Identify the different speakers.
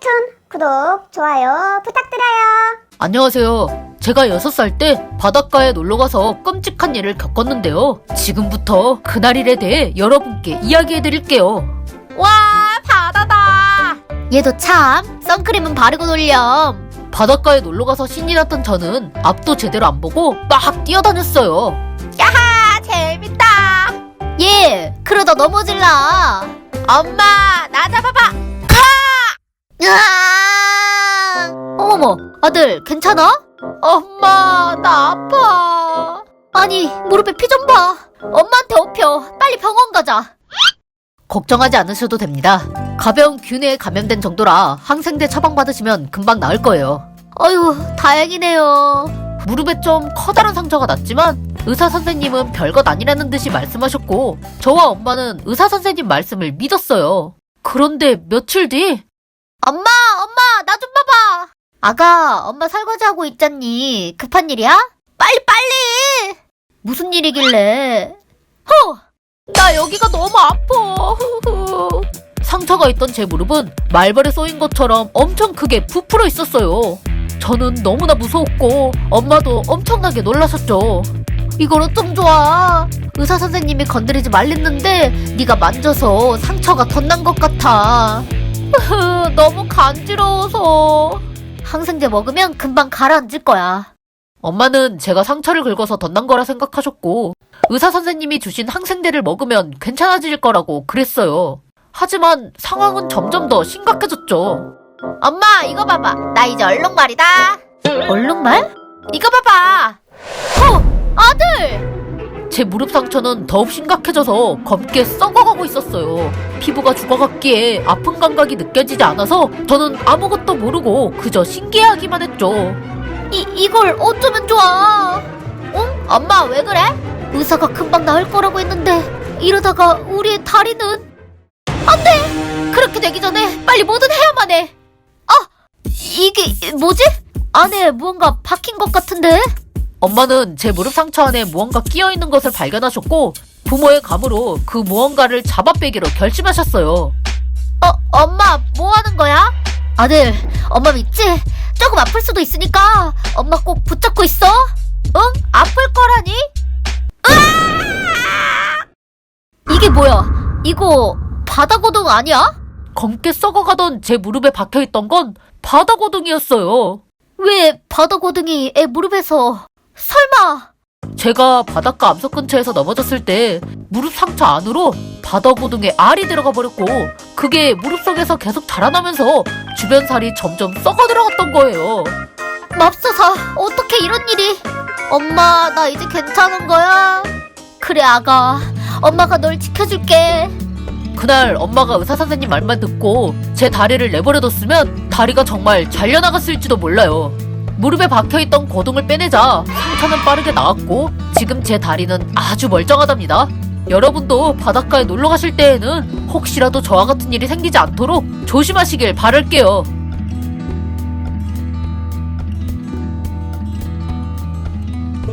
Speaker 1: 웹툰 구독, 좋아요 부탁드려요.
Speaker 2: 안녕하세요. 제가 6살 때 바닷가에 놀러가서 끔찍한 일을 겪었는데요. 지금부터 그날 일에 대해 여러분께 이야기해드릴게요.
Speaker 3: 와, 바다다. 얘도 참 선크림은 바르고 놀렴.
Speaker 2: 바닷가에 놀러가서 신이 났던 저는 앞도 제대로 안 보고 막 뛰어다녔어요.
Speaker 3: 야하, 재밌다. 얘 그러다 넘어질라. 엄마, 나 잡아봐. 으아! 어머머, 아들 괜찮아? 엄마, 나 아파. 아니, 무릎에 피 좀 봐. 엄마한테 업혀. 빨리 병원 가자.
Speaker 2: 걱정하지 않으셔도 됩니다. 가벼운 균에 감염된 정도라 항생제 처방받으시면 금방 나을 거예요.
Speaker 3: 어휴, 다행이네요.
Speaker 2: 무릎에 좀 커다란 상처가 났지만 의사 선생님은 별것 아니라는 듯이 말씀하셨고 저와 엄마는 의사 선생님 말씀을 믿었어요. 그런데 며칠 뒤
Speaker 3: 엄마, 나 좀 봐봐. 아가, 엄마 설거지하고 있잖니. 급한 일이야? 빨리! 무슨 일이길래? 나 여기가 너무 아파.
Speaker 2: 상처가 있던 제 무릎은 말벌에 쏘인 것처럼 엄청 크게 부풀어 있었어요. 저는 너무나 무서웠고 엄마도 엄청나게 놀라셨죠.
Speaker 3: 이걸 어쩜 좋아. 의사 선생님이 건드리지 말랬는데 네가 만져서 상처가 덧난 것 같아. 너무 간지러워서. 항생제 먹으면 금방 가라앉을 거야.
Speaker 2: 엄마는 제가 상처를 긁어서 덧난 거라 생각하셨고 의사 선생님이 주신 항생제를 먹으면 괜찮아질 거라고 그랬어요. 하지만 상황은 점점 더 심각해졌죠.
Speaker 3: 엄마, 이거 봐봐. 나 이제 얼룩말이다. 얼룩말? 이거 봐봐. 아들!
Speaker 2: 제 무릎 상처는 더욱 심각해져서 검게 썩어가고 있었어요. 피부가 죽어갔기에 아픈 감각이 느껴지지 않아서 저는 아무것도 모르고 그저 신기해하기만 했죠.
Speaker 3: 이걸 어쩌면 좋아? 응? 엄마, 왜 그래? 의사가 금방 나을 거라고 했는데 이러다가 우리의 다리는... 안 돼! 그렇게 되기 전에 빨리 뭐든 해야만 해. 이게 뭐지? 안에 무언가 박힌 것 같은데?
Speaker 2: 엄마는 제 무릎 상처 안에 무언가 끼어있는 것을 발견하셨고 부모의 감으로 그 무언가를 잡아빼기로 결심하셨어요.
Speaker 3: 엄마, 뭐 하는 거야? 아들, 엄마 믿지? 조금 아플 수도 있으니까 엄마 꼭 붙잡고 있어. 응? 아플 거라니? 으아! 이게 뭐야? 이거 바다고동 아니야?
Speaker 2: 검게 썩어가던 제 무릎에 박혀있던 건 바다고등이었어요.
Speaker 3: 왜 바다고등이 애 무릎에서... 설마...
Speaker 2: 제가 바닷가 암석 근처에서 넘어졌을 때 무릎 상처 안으로 바다고등에 알이 들어가 버렸고 그게 무릎 속에서 계속 자라나면서 주변 살이 점점 썩어 들어갔던 거예요.
Speaker 3: 맙소사, 어떻게 이런 일이... 엄마, 나 이제 괜찮은 거야? 그래, 아가. 엄마가 널 지켜줄게.
Speaker 2: 그날 엄마가 의사 선생님 말만 듣고 제 다리를 내버려뒀으면 다리가 정말 잘려나갔을지도 몰라요. 무릎에 박혀있던 고동을 빼내자 상처는 빠르게 나았고 지금 제 다리는 아주 멀쩡하답니다. 여러분도 바닷가에 놀러 가실 때에는 혹시라도 저와 같은 일이 생기지 않도록 조심하시길 바랄게요.